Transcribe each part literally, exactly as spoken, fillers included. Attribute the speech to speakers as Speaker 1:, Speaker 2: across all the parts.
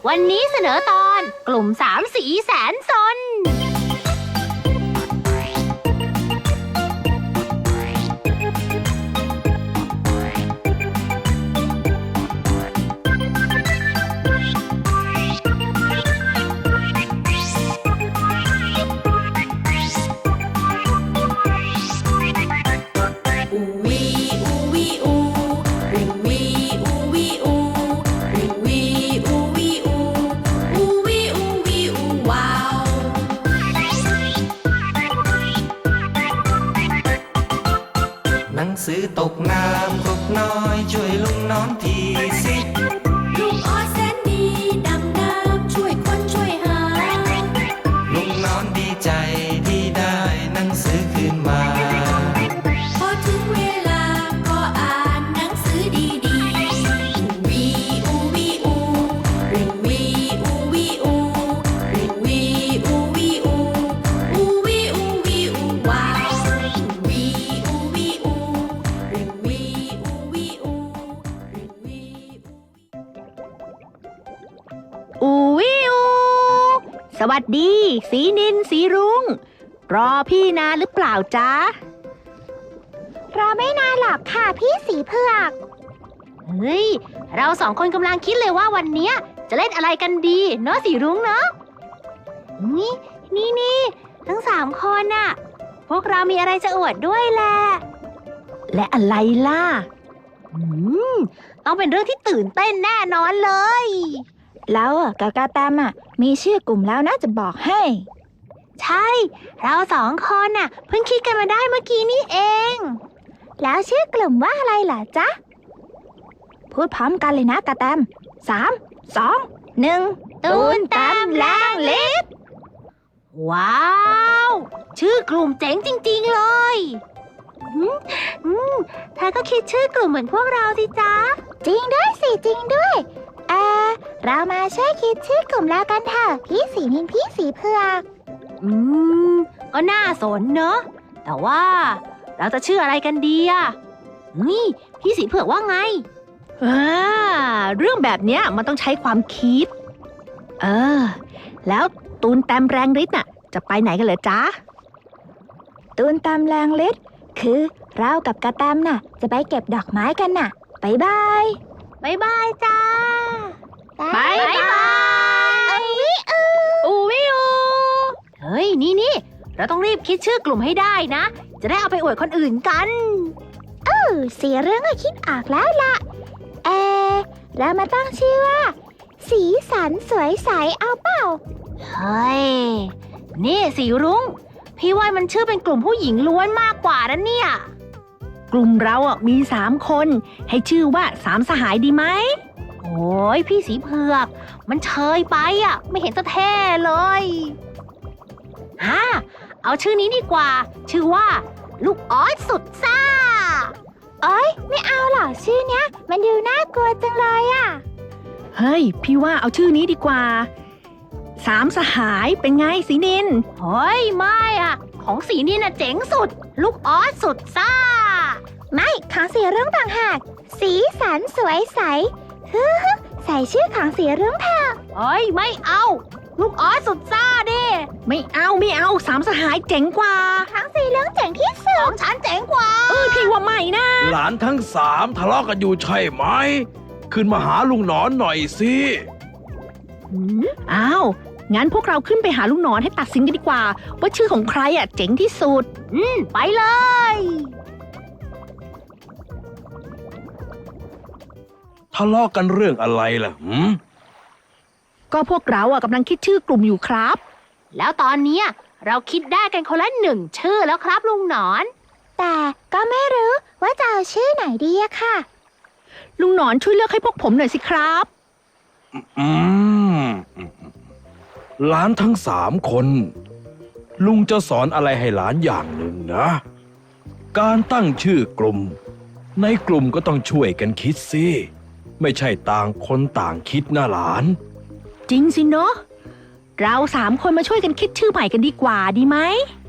Speaker 1: วันนี้เสนอตอนกลุ่มสามสีแสนซน
Speaker 2: หนังสือตกน้ำตกน้อยช่วยลุงน้องทีสิ
Speaker 3: ลุงออสแสนดีดำน้ำช่วยคนช่วยหา
Speaker 2: ลุงน้องดีใจที่ได้หนังสือคืนมา
Speaker 3: พอถึงเวลาก็อ่านหนังสือดีๆวีอูวีอูริงวีอูวีอูริงวีอูวีอูอูวีอูวีอูว้าววีอูวีอูริงวีอูวีอูริงวี
Speaker 1: อูวิวสวัสดี สีนินสีรุ้งรอพี่นานหรือเปล่าจ๊ะ
Speaker 4: รอไม่นานหรอกค่ะพี่สีเผือก
Speaker 1: เฮ้ยเราสองคนกำลังคิดเลยว่าวันเนี้ยจะเล่นอะไรกันดีเนาะสีรุ้งเนาะนี่นี่นี่ทั้งสามคนน่ะพวกเรามีอะไรจะอวดด้วยแหละและอะไรล่ะอืมต้องเป็นเรื่องที่ตื่นเต้นแน่นอนเลย
Speaker 4: แล้วกับกาแตมอ่ะมีชื่อกลุ่มแล้วนะจะบอกให้
Speaker 1: ใช่เราสองคนน่ะเพิ่งคิดกันมาได้เมื่อกี้นี่เอง
Speaker 4: แล้วชื่อกลุ่มว่าอะไรล่ะจ๊ะพูดพร้อมกันเลยนะกาแตมสามสองหนึ่ง
Speaker 1: ตูนตามแรงฤทธิ์ว้าวชื่อกลุ่มเจ๋งจริงๆเลยอืมอืมเธอก็คิดชื่อกลุ่มเหมือนพวกเราสิจ๊ะ
Speaker 4: จริงด้วยสิจริงด้วยเออเรามาช่วยคิดชื่อกลุ่มแล้วกันเถอะพี่สีนินพี่สีเผือก
Speaker 1: อืมก็น่าสนเนอะแต่ว่าเราจะชื่ออะไรกันดีอะนี่พี่สีเผือกว่าไงอ่าเรื่องแบบเนี้ยมันต้องใช้ความคิดเออแล้วตูนแต้มแรงฤทธิ์น่ะจะไปไหนกันเหรอจ๊ะ
Speaker 4: ตูนตามแรงฤทธิ์คือเรากับกาแตมน่ะจะไปเก็บดอกไม้กันน่ะบ๊ายบาย
Speaker 1: บ๊ายบายจ้า
Speaker 4: บ๊ายบายอูวิอู
Speaker 1: อูวิอูเฮ้ยนี่นี่เราต้องรีบคิดชื่อกลุ่มให้ได้นะจะได้เอาไปอวดคนอื่นกัน
Speaker 4: เออเสียเรื่องก็คิดออกแล้วล่ะเออเรามาตั้งชื่อว่าสีสันสวยใสเอาเปล่า
Speaker 1: เฮ้ยนี่สีรุ้งพี่ว่ามันชื่อเป็นกลุ่มผู้หญิงล้วนมากกว่านะเนี่ยกลุ่มเราอ่ะมีสามคนให้ชื่อว่าสามสหายดีไหมโอ้ยพี่สีเผือกมันเชยไปอ่ะไม่เห็นจะเท่เลยฮ่าเอาชื่อนี้ดีกว่าชื่อว่าลูกออสสุดซ่า
Speaker 4: โอ๊ยไม่เอาหรอกชื่อเนี้ยมันดูน่ากลัวจังเลยอ่ะ
Speaker 1: เฮ้ยพี่ว่าเอาชื่อนี้ดีกว่าสามสหายเป็นไงสีนินเฮ้ยไม่อ่ะของสีนินน่ะเจ๋งสุดลูกออสสุดซ่า
Speaker 4: ไม่ของสีรุ้งต่างหากสีสันสวยใสฮึฮึใส่ชื่อของสีรุ้งเถอะ
Speaker 1: เฮ้ยไม่เอาลูกออสสุดซ่าดิไม่เอาไม่เอาสามสหายเจ๋งกว่า
Speaker 4: ของสีรุ้งเจ๋งที่สุด
Speaker 1: ของฉันเจ๋งกว่าเออพี่ว่าไม่นะ
Speaker 5: หลานทั้งสามทะเลาะกันอยู่ใช่ไหมขึ้นมาหาลุงหนอนหน่อยสิ
Speaker 1: อ้าวงั้นพวกเราขึ้นไปหาลุงหนอนให้ตัดสินกันดีกว่าว่าชื่อของใครอ่ะเจ๋งที่สุดอืมไปเลย
Speaker 5: ทะเลาะกันเรื่องอะไรล่ะหืม
Speaker 1: ก็พวกเราอ่ะกำลังคิดชื่อกลุ่มอยู่ครับแล้วตอนนี้เราคิดได้กันคนละหนึ่งชื่อแล้วครับลุงหนอน
Speaker 4: แต่ก็ไม่รู้ว่าจะเอาชื่อไหนดีอะค่ะ
Speaker 1: ลุงหนอนช่วยเลือกให้พวกผมหน่อยสิครับ
Speaker 5: อืมหลานทั้งสามคนลุงจะสอนอะไรให้หลานอย่างหนึ่งนะการตั้งชื่อกลุ่มในกลุ่มก็ต้องช่วยกันคิดสิไม่ใช่ต่างคนต่างคิดนะหลาน
Speaker 1: จริงสิเนาะเราสามคนมาช่วยกันคิดชื่อใหม่กันดีกว่าดีไหม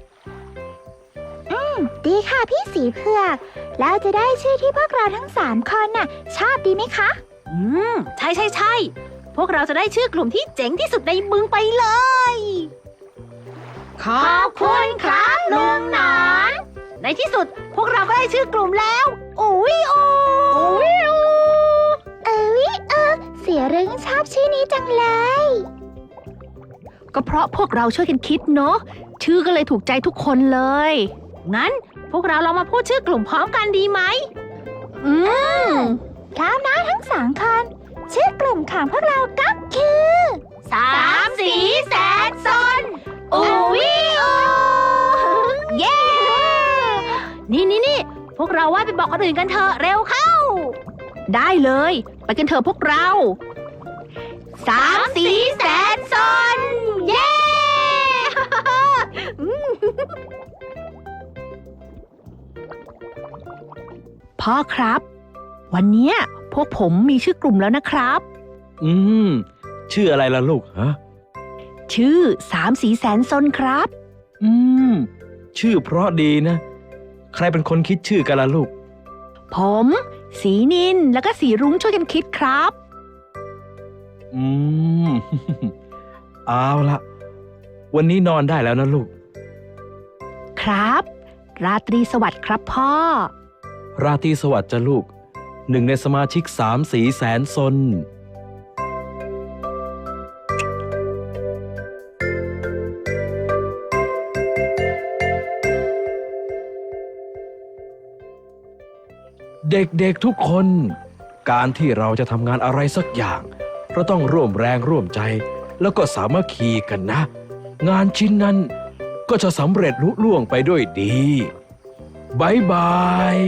Speaker 4: อืมดีค่ะพี่สีเผือกแล้วจะได้ชื่อที่พวกเราทั้งสามคนน่ะชอบดีไหมคะ
Speaker 1: อืมใช่ใช่ใช่พวกเราจะได้ชื่อกลุ่มที่เจ๋งที่สุดในเมืองไปเลย ขอบคุณครับลุงหนอนในที่สุดพวกเราก็ได้ชื่อกลุ่มแล้วอุ้ยอูอุ้ยอู
Speaker 4: เออวิเออเสียรึงชอบชื่อนี้จังเลย
Speaker 1: ก็เพราะพวกเราช่วยกันคิดเนาะชื่อก็เลยถูกใจทุกคนเลย งั้นพวกเราลองมาพูดชื่อกลุ่มพร้อมกันดีไหมอืม
Speaker 4: พร้อมนะทั้งสองคนชื่อกลุ่มของพวกเราก็คือ
Speaker 1: สามสีแสนซนอูวิอูเย้ นี่นี่นี่พวกเราว่าไปบอกคนอื่นกันเถอะเร็วเข้า ได้เลย ไปกันเถอะพวกเรา สามสีแสนซนเย้ พ่อครับ วันเนี้ยพวกผมมีชื่อกลุ่มแล้วนะครับ
Speaker 5: อืม ชื่ออะไรล่ะลูกฮะ
Speaker 1: ชื่อสามสีแสนซนครับ
Speaker 5: อืม ชื่อเพราะดีนะ ใครเป็นคนคิดชื่อกันล่ะลูก
Speaker 1: ผม สีนินแล้วก็สีรุ้งช่วยกันคิดครับ
Speaker 5: อืม เอาละวันนี้นอนได้แล้วนะลูก
Speaker 1: ครับ ราตรีสวัสดิ์ครับพ่อ
Speaker 5: ราตรีสวัสดิ์จ้ะลูก หนึ่งในสมาชิกสามสีแสนซน เด็กๆทุกคน การที่เราจะทำงานอะไรสักอย่างเราต้องร่วมแรงร่วมใจ แล้วก็สามัคคีกันนะ งานชิ้นนั้นก็จะสำเร็จลุล่วงไปด้วยดีบายบาย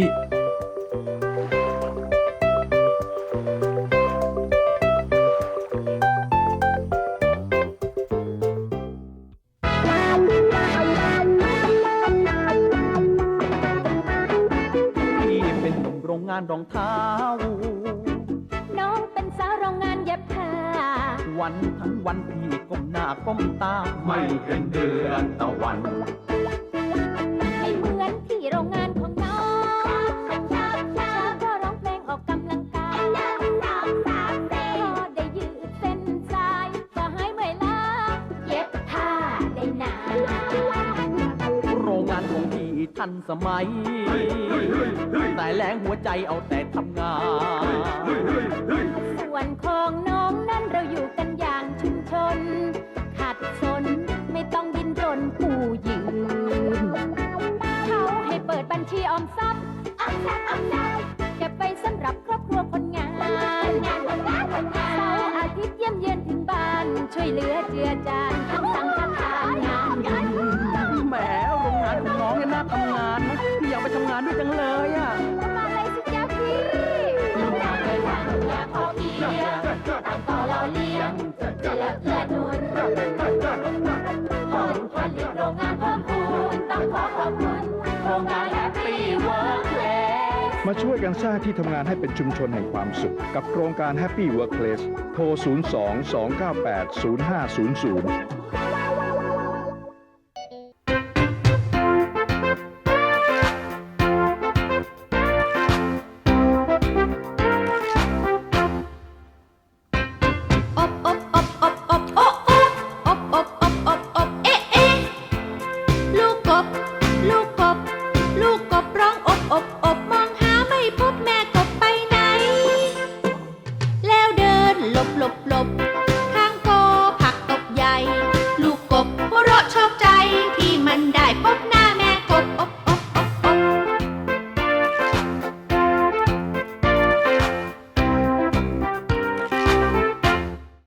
Speaker 6: พี่เป็นหนุ่มโรงงานรองเท้า
Speaker 3: น้องเป็นสาวโรงงานเย็บผ้า
Speaker 6: วันทั้งวันพี่ก้มหน้าก้มตา ไม่เห็นเดือนตะวัน
Speaker 3: ไม่เหมือนที่โรงงานของน้องเช้าก็ร้องเพลงออกกำลังกายพอได้ยืดเส้นสายก็หายเมื่อยล้าเย็บผ้าได้นาน
Speaker 6: โรงงานของพี่ทันสมัย แต่แรงหัวใจเอาแต่ทำงาน
Speaker 3: ส่วนของน้องนั้นเราอยู่กันอย่างชุมชน ขัดสนไม่ต้องดิ้นรนกู้ยืมเขาให้เปิดบัญชีออมทรัพย์ออมทรัพย์ออมทรัพย์เก็บไว้สำหรับครอบครัวคนงานเสาร์อาทิตย์เยี่ยมเยือนถึงบ้าน ช่วยเหลือเจือจานทำสังฆทานงานเงิน
Speaker 6: แหมโรงงานของน้องเนี่ยน่าทำงานนะพี่อยากไปทำงานด้วยจังเลยอ่ะ
Speaker 3: มาเลยสิจ๊ะพี่ลูกอยากเลยว่าลูกอยากพอเพียงต่างต่อเราเลี้ยงเจือเพื่อหนุนผลผลิตโรงงานเพิ่มพูนต้องขอขอบคุณโรงงานแฮปปี้เวิร์คเพลส
Speaker 7: มาช่วยกันสร้างที่ทำงานให้เป็นชุมชนแห่งความสุข กับโครงการ Happy Workplace โทร ศูนย์ สอง สอง เก้า แปด ศูนย์ ห้า ศูนย์ ศูนย์